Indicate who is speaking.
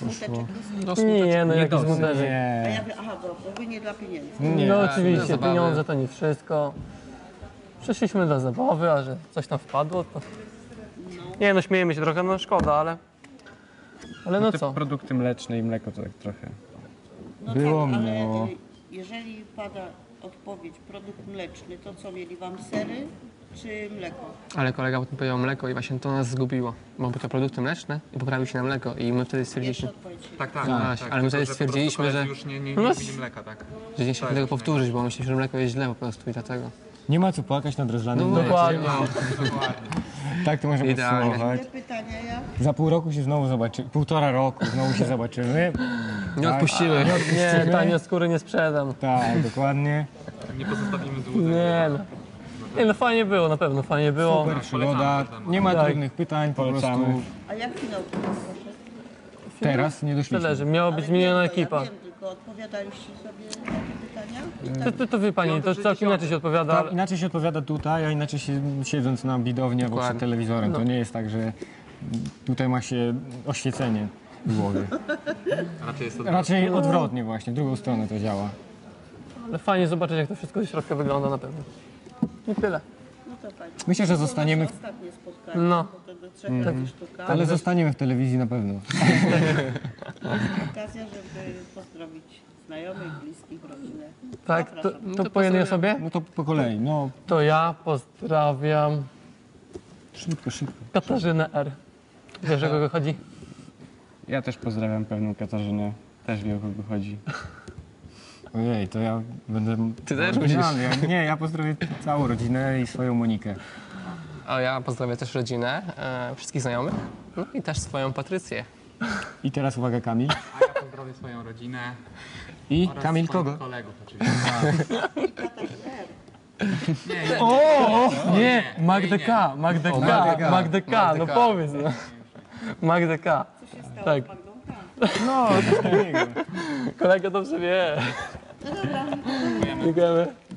Speaker 1: poszło.
Speaker 2: Nie, no jakiś smuteczek.
Speaker 1: Nie.
Speaker 3: Ja wiem, aha, bo wy nie dla pieniędzy.
Speaker 1: Nie.
Speaker 2: No oczywiście, pieniądze to nie wszystko. Przyszliśmy dla zabawy, a że coś tam wpadło, to... Nie no, śmiejemy się trochę, no szkoda, ale... Ale no
Speaker 4: Te
Speaker 2: co?
Speaker 4: produkty mleczne i mleko to tak trochę.
Speaker 3: No
Speaker 1: Było,
Speaker 3: tak, ale
Speaker 1: minęło.
Speaker 3: jeżeli pada odpowiedź produkt mleczny, to co, mieli wam sery czy mleko?
Speaker 5: Ale kolega potem powiedział mleko i właśnie to nas zgubiło. Bo były to produkty mleczne i poprawił się na mleko i my wtedy
Speaker 3: Jeszcze
Speaker 5: stwierdziliśmy,
Speaker 3: odpowiedź.
Speaker 6: Tak, tak,
Speaker 5: właśnie,
Speaker 6: tak.
Speaker 5: ale my
Speaker 6: Tylko,
Speaker 5: wtedy stwierdziliśmy,
Speaker 6: po prostu
Speaker 5: że-
Speaker 6: koledzy już nie
Speaker 2: No,
Speaker 6: lubili mleka, tak.
Speaker 5: że nie chcieliśmy tego powtórzyć, bo myśleliśmy, że mleko jest źle po prostu i dlatego.
Speaker 1: Nie ma co płakać nad rozlanym
Speaker 2: No,
Speaker 1: mlekiem.
Speaker 2: dokładnie.
Speaker 1: Tak to można
Speaker 5: Idealnie.
Speaker 1: podsumować.
Speaker 3: Te pytania ja?
Speaker 1: Za pół roku się znowu zobaczymy, 1,5 roku znowu się zobaczymy.
Speaker 5: Nie
Speaker 1: Tak.
Speaker 5: odpuściły.
Speaker 2: Nie, tanie skóry nie sprzedam.
Speaker 1: Tak, dokładnie.
Speaker 6: Nie pozostawimy złudzeń.
Speaker 2: Nie no. Nie no, fajnie było, na pewno fajnie było.
Speaker 1: Super przygoda, nie ma
Speaker 2: Tak.
Speaker 1: trudnych pytań, po
Speaker 4: Polecamy.
Speaker 1: prostu
Speaker 3: A jak finał poszedł?
Speaker 1: teraz nie doszliśmy.
Speaker 2: Tyle, że miała być
Speaker 3: Ale
Speaker 2: miliona
Speaker 3: wiem, to
Speaker 2: ekipa.
Speaker 3: Ja wiem, tylko odpowiadaliście sobie na te pytania?
Speaker 2: To wie pani, to całkiem inaczej się odpowiada.
Speaker 1: Tak, inaczej się odpowiada tutaj, a inaczej się siedząc na widowni albo przed
Speaker 5: Dokładnie.
Speaker 1: telewizorem. To nie jest tak, że tutaj ma się oświecenie w głowie.
Speaker 6: Raczej jest
Speaker 1: Raczej odwrotnie właśnie, w drugą stronę to działa.
Speaker 2: Ale fajnie zobaczyć, jak to wszystko ze środka wygląda na pewno. I tyle.
Speaker 3: No to fajnie.
Speaker 1: Myślę, że
Speaker 3: To
Speaker 1: zostaniemy
Speaker 3: nasze ostatnie spotkanie,
Speaker 2: No.
Speaker 3: bo to do 3 sztuka.
Speaker 1: Ale zostaniemy w telewizji na pewno.
Speaker 3: Okazja, żeby pozdrowić znajomych, bliskich, rodzinę.
Speaker 2: Tak, to,
Speaker 3: Zapraszam.
Speaker 2: to po jednej osobie?
Speaker 1: No to po kolei, no
Speaker 2: To ja pozdrawiam
Speaker 1: szybko, szybko.
Speaker 2: Katarzynę R. Wiesz, o kogo chodzi?
Speaker 4: Ja też pozdrawiam pewną Katarzynę. Też wie, o kogo chodzi.
Speaker 1: Ojej, to ja będę...
Speaker 5: Ty też
Speaker 1: oryginalny. Nie, ja pozdrowię całą rodzinę i swoją Monikę.
Speaker 5: A ja pozdrawiam też rodzinę, wszystkich znajomych, no i też swoją Patrycję.
Speaker 1: I teraz uwaga, Kamil.
Speaker 6: A ja pozdrowię swoją rodzinę
Speaker 1: I
Speaker 6: oraz
Speaker 1: Kamil
Speaker 6: swoich
Speaker 1: kogo?
Speaker 6: kolegów oczywiście.
Speaker 2: Nie, Magdę K, Magdę K, Magdę K, no powiedz. No. Magdę K.
Speaker 3: Co się stało
Speaker 2: Tak.
Speaker 3: z Magdą?
Speaker 1: No, coś takiego.
Speaker 2: Kolega dobrze wie.
Speaker 3: No dobra,
Speaker 2: Dziękujemy.